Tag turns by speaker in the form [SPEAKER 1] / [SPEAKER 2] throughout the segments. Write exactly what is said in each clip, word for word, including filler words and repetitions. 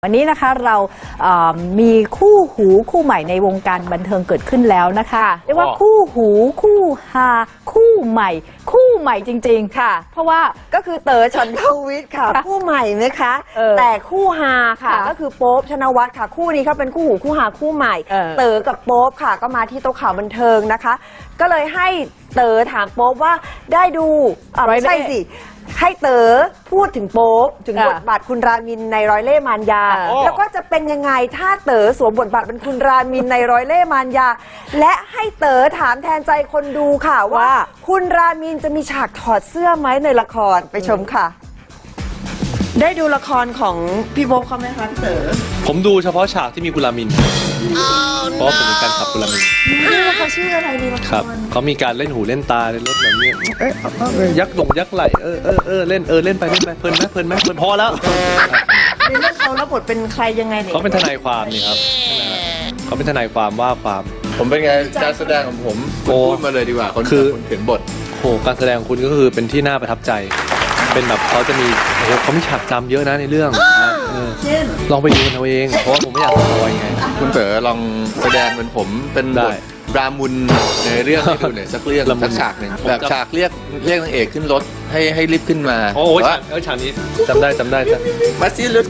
[SPEAKER 1] วันนี้นะคะเรามีคู่หูคู่ใหม่ในวงการบันเทิงเกิดขึ้นแล้วนะคะเรียกว่าคู่หูคู่ฮาคู่ใหม่คู่ใหม่จริงๆค่ะเพราะว่า
[SPEAKER 2] ก็คือเต๋อฉันทวิทย์ค่ะคู่ใหม่ไหมคะแต่คู่ฮาค่ะก็คือโป๊ปธนวัฒน์ค่ะคู่นี้เขาเป็นคู่หูคู่ฮาคู่ใหม่เต๋อกับโป๊ปค่ะก็มาที่โต๊ะข่าวบันเทิงนะคะก็เลยให้เต๋อถามโป๊ปว่าได้ดูไม่ใช่สิให้เต๋อพูดถึงโป๊ปถึงบทบาทคุณรามินในร้อยเล่ห์มารยาแล้วก็จะเป็นยังไงถ้าเต๋อสวมบทบาทเป็นคุณรามินในร้อยเล่ห์มารยาและให้เต๋อถามแทนใจคนดูค่ะว่าคุณรามินจะมีฉากถอดเสื้อไหมในละครไปชมค่ะได้ดูละครของพี่โป๊ปเขาไหมคะพี่เต๋อ
[SPEAKER 3] ผมดูเฉพาะฉากที่มีคุณรามินเพราะผมเป็นแฟนคลับคุณรามิน
[SPEAKER 2] เขาชื่ออะไรดีละคร
[SPEAKER 3] ครับเขามีการเล่นหูเล่นตาเล่นรถแบบนี้เอ๊ะยักษ์หลงยักษ์ไหลเออเออเออเล่นเออเล่นไปเล่นไปเพลินไหมเพลินไหมเพลินพอแล้ว
[SPEAKER 2] ในเรื่องเขาแล้วบทเป็นใครยังไงเนี่ย
[SPEAKER 3] เขาเป็นทนายความนี่ครับเขาเป็นทนายความว่าความ
[SPEAKER 4] ผมเป็นไงการแสดงของผมพูดมาเลยดีกว่าคนคือเขียนบท
[SPEAKER 3] โหการแสดงคุณก็คือเป็นที่น่าประทับใจเป็นแบบเขาจะมีโอ้โหเขามีฉากจำเยอะนะในเรื่องลองไปดูกันเอาเองเพราะว่าผมไม่อยากสปอยไง
[SPEAKER 4] คุณเต๋อลองแสดงเป็นผมเป็นบทรามุนในเรื่องให้ดูหน่อยสักเรื่องสักฉากหนึ่งแบบฉากเรียกเรียกนางเอกขึ้นรถให้ให้รีบขึ้นมา
[SPEAKER 3] โอ้โหฉากนี้จำได้จำได้จ้ะ
[SPEAKER 4] มาซิลุด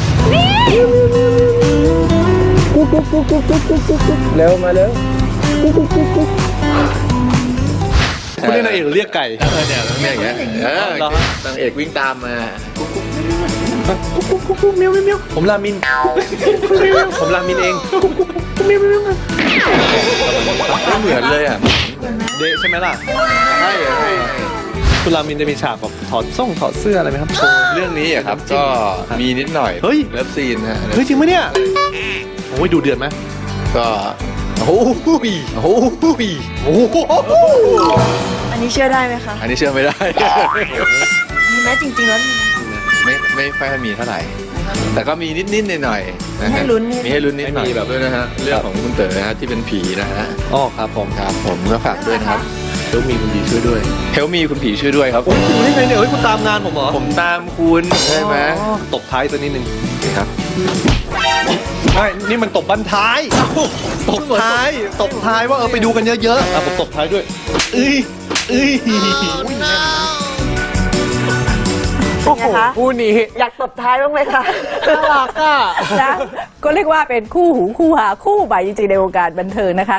[SPEAKER 3] เร็วมาเร็วคุณเรียกนางเอกหรือเรียกไก่
[SPEAKER 4] เนี่ยเนี่ยอย่างเงี้ยนางเอกวิ่งตามมา
[SPEAKER 3] เมียวเมียวผมรามินผมรามินเอง
[SPEAKER 4] ไม่เหมือนเลยอ่ะ
[SPEAKER 3] เดะใช่ไหมล่ะ
[SPEAKER 4] ใช่ใช่
[SPEAKER 3] คุณรามินจะมีฉากแบบถอดส่งถอดเสื้ออะไรไหมครับ
[SPEAKER 4] เรื่องนี้อ่ะครับก็มีนิดหน่อย
[SPEAKER 3] เฮ้ย
[SPEAKER 4] เลิฟซีนฮะ
[SPEAKER 3] เฮ้ยจริงไหมเนี่ยโอ้ยดูเดือดไหม
[SPEAKER 4] ก็โอ้โหโอ้โหโอ้โห
[SPEAKER 2] อันนี้เชื่อได้ไหมคะ
[SPEAKER 4] อันนี้เชื่อไม่ได้
[SPEAKER 2] มีไหมจริงๆแล้ว
[SPEAKER 4] ไม่ไม่ค่อยมีเท่าไหร่แต่ก็มีนิดนิดหน่อยหน่อยนะฮะมีให้ลุ้นนิดหน่อยแบบด้วยนะฮะเรื่องของคุณเต๋อนะฮะที่เป็นผีนะฮะ
[SPEAKER 3] อ๋อครับผม
[SPEAKER 4] ครับผมก็ฝากด้วยนะครับ
[SPEAKER 3] เฮลมีคุณผีช่วยด้วย
[SPEAKER 4] เฮลมีคุณผีช่วยด้วยครับ
[SPEAKER 3] คุณนี่ไงเนี่ยเฮ้ยคุณตามงานผมเหรอ
[SPEAKER 4] ผมตามคุณใช่ไหม
[SPEAKER 3] ตบท้ายตัวนิดนึง
[SPEAKER 4] ครับ
[SPEAKER 3] ไม่นี่มันตบบันท้ายตบท้ายตบท้ายว่าเออไปดูกันเยอะๆอ่ะผมตบท้ายด้วยเอ้ยเอ้ย
[SPEAKER 2] โอ้โหคู่นี้อยากตบท้ายบ้างไหมคะ
[SPEAKER 1] น่ารักอ่ะนะก็เรียกว่าเป็นคู่หูคู่หาคู่ใหม่จริงๆในวงการบันเทิงนะคะ